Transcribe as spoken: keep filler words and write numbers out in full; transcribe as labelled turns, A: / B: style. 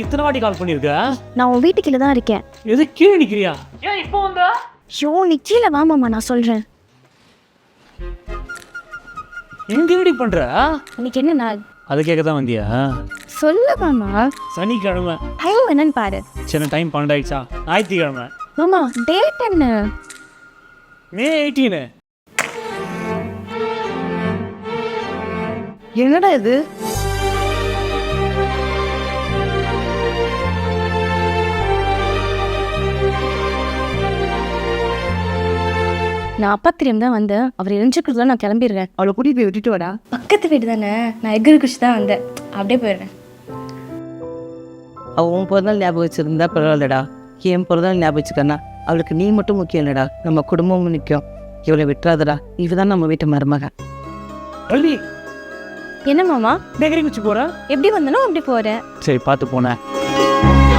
A: இத்தனை வாட்டி கால் பண்ணியிருக்க?
B: நான் உன் வீட்டுக்குள்ள தான் இருக்கேன்.
A: எது கீழே நிக்கிறியா? ஏன் இப்போ வந்தா?
B: ஷோ நீ கீழே வா மாமா, நான் சொல்றேன்.
A: எங்க ரெடி பண்ற?
B: இன்னைக்கு என்ன நாள்?
A: அதை கேட்க தான் வந்தியா?
B: சொல்லு மாமா.
A: சனிக்கிழமை.
B: டைம் என்னன்னு பாரு.
A: சின்ன டைம் பன்னெண்டாயிடுச்சா? ஞாயிற்றுக்கிழமை.
B: மாமா டேட் என்ன?
A: May eighteen.
C: என்னடா இது?
B: நான் அப்பா தெரியும் தான் வந்தேன். அவர் எரிஞ்சுக்கிறதுல நான் கிளம்பிடுறேன்.
C: அவளை கூட்டிட்டு போய் விட்டுட்டு வாடா.
B: பக்கத்து வீடு தானே, நான் எகிரி குச்சி தான் வந்தேன். அப்படியே போயிடுறேன்.
C: அவள் உன் பிறந்தாள் ஞாபகம் வச்சிருந்தா பரவாயில்லடா. என் பிறந்தாள் ஞாபகம் வச்சுக்கண்ணா. அவளுக்கு நீ மட்டும் முக்கியம் இல்லடா, நம்ம குடும்பமும் முக்கியம். இவளை விட்டுறாதடா. இவதான் நம்ம வீட்டு மருமக.
A: வள்ளி,
B: என்ன மாமா?
A: பேக்கரி குச்சி போற?
B: எப்படி வந்தனோ அப்படி போறேன்.
A: சரி பார்த்து போனேன்.